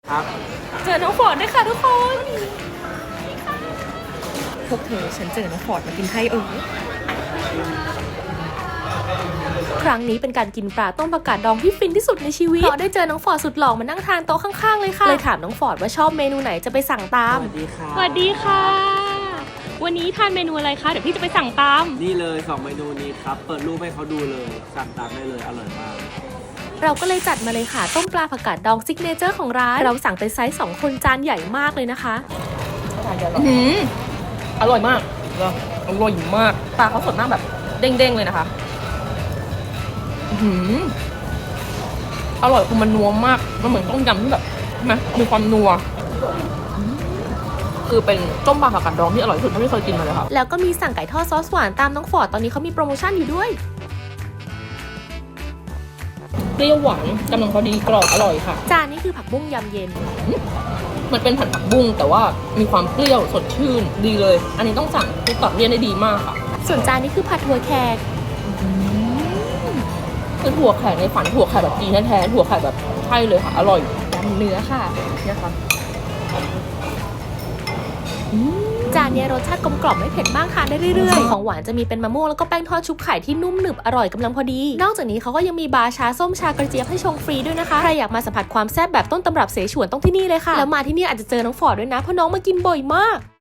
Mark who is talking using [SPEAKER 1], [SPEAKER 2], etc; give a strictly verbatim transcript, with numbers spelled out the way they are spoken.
[SPEAKER 1] ครับ
[SPEAKER 2] เจอน้องฟอร์ดด้วยค่ะทุกคนพวกเธอฉันเจอน้องฟอร์ดมากินให้เออครั้งนี้เป็นการกินปลาต้มผักกาดดองที่ฟินที่สุดในชีวิตเพราะได้เจอน้องฟอร์ดสุดหล่อมานั่งทานโต๊ะข้างๆเลยค่ะเลยถามน้องฟอร์ดว่าชอบเมนูไหนจะไปสั่งตาม
[SPEAKER 1] สวัสดีค่ะ
[SPEAKER 3] สวัสดีค่ะ วันนี้ทานเมนูอะไรคะ เดี๋ยวพี่จะไปสั่งตาม
[SPEAKER 1] นี่เลยสองเมนูนี้ครับ เปิดรูปให้เขาดูเลย สั่งตามได้เลย อร่อยมาก
[SPEAKER 2] เราก็เลยจัดมาเลยค่ะต้มปลาผักกาดดองซิกเนเจอร์ของร้านเราสั่งเป็นไซส์สองคนจานใหญ่มากเลยนะคะอืมอร่อยมากอร่อยมากปลาเขาสดมากแบบเด้งๆเลยนะคะอืมอร่อยคือมันนัวมากมันเหมือนต้มยำที่แบบใช่ไหมมีความนัวคือเป็นต้มปลาผักกาดดองที่อร่อยที่สุดเท่าที่เคยกินมาเลยค่ะแล้วก็มีสั่งไก่ทอดซอสหวานตามน้องฟอร์ดตอนนี้เขามีโปรโมชั่นอยู่ด้วยเปรี้ยวหวานกำลังพอดีกรอบอร่อยค่ะจานนี้คือผักบุ้งยำเย็นมันเป็นผัดผักบุ้งแต่ว่ามีความเปรี้ยวสดชื่นดีเลยอันนี้ต้องสั่งคือตอบเรียนได้ดีมากค่ะส่วนจานนี้คือผัดถั่วแขกคือถั่วแขกในฝันถั่วแขกแบบจีนแท้ๆถั่วแขกแบบใช่เลยค่ะอร่อยยำเนื้อค่ะเนี่ยค่ะจานนี้รสชาติกลมกล่อมไม่เผ็ดมากทานได้เรื่อยๆของหวานจะมีเป็นมะม่วงแล้วก็แป้งทอดชุบไข่ที่นุ่มหนึบอร่อยกำลังพอดีนอกจากนี้เขาก็ยังมีบาร์ชาส้มชากระเจี๊ยบให้ชงฟรีด้วยนะคะใครอยากมาสัมผัสความแซ่บแบบต้นตำรับเสฉวนต้องที่นี่เลยค่ะแล้วมาที่นี่อาจจะเจอน้องฟอร์ดด้วยนะเพราะน้องมากินบ่อยมาก